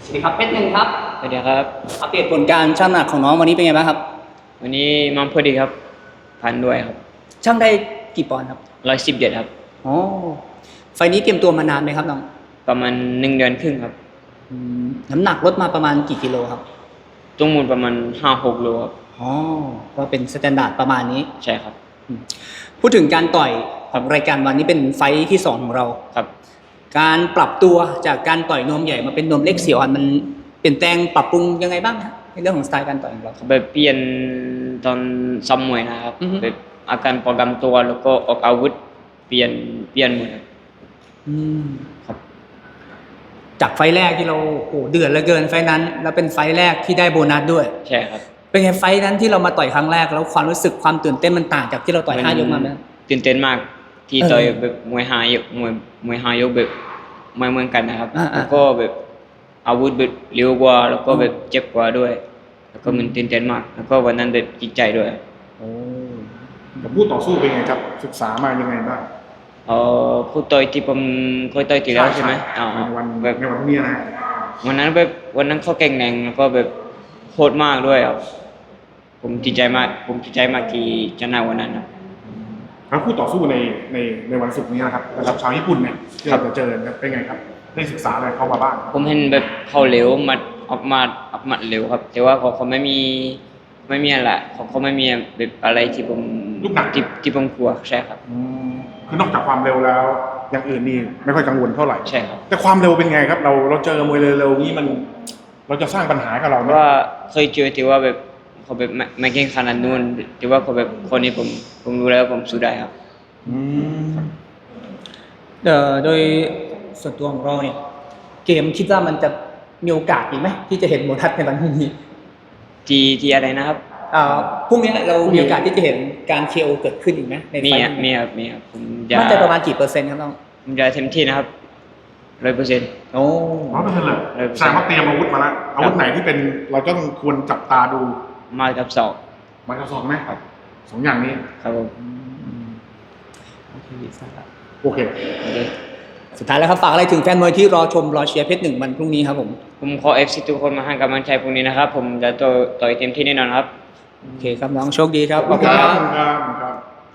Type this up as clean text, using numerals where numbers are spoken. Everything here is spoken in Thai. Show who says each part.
Speaker 1: สวัสดีครับเพชรหนึ่งครับ
Speaker 2: สวัสดีครับ
Speaker 1: อัปเดตผลการชั่งน้ำหนักของน้องวันนี้เป็นไงบ้างครับ
Speaker 2: วันนี้มังพอดีครับพันด้วยครับ
Speaker 1: ชั่งได้กี่ปอนด์ครับ
Speaker 2: 117ครับ
Speaker 1: อ๋อไฟล์นี้เตรียมตัวมานานไหมครับน้อง
Speaker 2: ประมาณ1 เดือนครึ่งครับ
Speaker 1: น้ำหนักลดมาประมาณกี่กิโลครับ
Speaker 2: ตุ้งมูลประมาณ5-6 โลครับ
Speaker 1: อ๋อก็เป็นสแตนดาร์ดประมาณนี้
Speaker 2: ใช่ครับ
Speaker 1: พูดถึงการต่อยของรายการวันนี้เป็นไฟล์ที่2ของเรา
Speaker 2: ครับ
Speaker 1: การปรับตัวจากการต่อยนวมใหญ่มาเป็นนวมเล็กเสี่ยวอันมันเปลี่ยนแปลงปรับปรุงยังไงบ้างครับในเรื่องของสไตล์การต่อยของเรา
Speaker 2: แบบเปลี่ยนตอนซ้อมมวยนะครับแบบอาการป้องกันตัวแล้วก็ออกอาวุธเปลี่ยนหมดครับ
Speaker 1: จากไฟล์แรกที่เราโอ้เดือดเหลือเกินไฟล์นั้นแล้วเป็นไฟล์แรกที่ได้โบนัสด้วย
Speaker 2: ใช่ครับ
Speaker 1: เป็นไงไฟล์นั้นที่เรามาต่อยครั้งแรกแล้วความรู้สึกความตื่นเต้นมันต่างจากที่เราต่อย5 ยกมาไหม
Speaker 2: ตื่นเต้นมากที่ต่อยแบบมวย5 ยกมวย5 ยกแบบไม่เหมือนกันนะครับแล้วก็แบบอาวุธแบบเร็วกว่าแล้วก็แบบเจ็บกว่าด้วยแล้วก็มันตื่นเต้นมากแล้วก็วันนั้นแบบจิตใจด้วย
Speaker 3: กับผู้ต่อสู้เป็นไงครับศึกษามายังไงบ้าง
Speaker 2: ผู้ต่อยที่ผมเคยต่อยที่แล้วใช่ไหม
Speaker 3: ในวันนี้นะ
Speaker 2: วันนั้นเขาเก่งแรงแล้วก็แบบโหดมากด้วยครับผมดีใจมากที่ชนะวันนั้นครับ
Speaker 3: แล้วคู่ต่อสู้ในวันศุกร์นี้นะครับชาวญี่ปุ่นเนี่ยที่เราจะเจอเป็นไงครับได้ศึกษาอะไรเข้ามาบ้าง
Speaker 2: ผมเห็นแบบเขาเร็วออกมาเร็วครับแต่ว่าเขาไม่มีอะไรเขาไม่มีแบบอะไรที่ผม
Speaker 3: ลูกหนัก
Speaker 2: ที่ผมกลัวใช่ครับ
Speaker 3: คือนอกจากความเร็วแล้วอย่างอื่นนี่ไม่ค่อยกังวลเท่าไหร่
Speaker 2: ใช่ครับ
Speaker 3: แต่ความเร็วเป็นไงครับเราเจอมวยเร็วๆนี้มันเราจะสร้างปัญหากับเราไหม
Speaker 2: ว่าเคยเจอที่ว่าแบบเขาแบบไม่เก่งขนาดนู้นที่ว่าเขาแบบคนนี้ผมรู้แล้วผมสู้ได้ครับ
Speaker 1: โดยส่วนตัวของเราเนี่ยเกมคิดว่ามันจะมีโอกาสอีกไหมที่จะเห็นโบนัสในวันพรุ่งนี้
Speaker 2: ที่อะไรนะครับ
Speaker 1: พรุ่งนี้เรามีโอกาสที่จะเห็นการเคโอเกิดขึ้นอีกไหมในไฟล์
Speaker 2: มีครับผม
Speaker 1: มันจะประมาณกี่เปอร์เซ็นต์ครับน้อง
Speaker 2: ผมจะเต็มที่นะครับ100%
Speaker 1: โอ้
Speaker 3: 100%เลยแสดงว่าเตรียมอาวุธมาแล้วอาวุธไหนที่เป็นเราต้องควรจับตาดู
Speaker 2: มากับศอก
Speaker 3: มากับศอกไหมครับ2 อย่างนี้
Speaker 2: ครับผม
Speaker 3: โอเค
Speaker 1: สุดท้ายแล้วครับฝากอะไรถึงแฟนมวยที่รอชมรอเชียร์เพชรหนึ่งวันพรุ่งนี้ครับผม
Speaker 2: ขอ FC ทุกคนมาให้กำลังใจพรุ่งนี้นะครับผมจะต่อยเต็มที่แน่นอนครับ
Speaker 1: โอเคครับน้องโชคดีครับ
Speaker 3: ขอบคุณครับ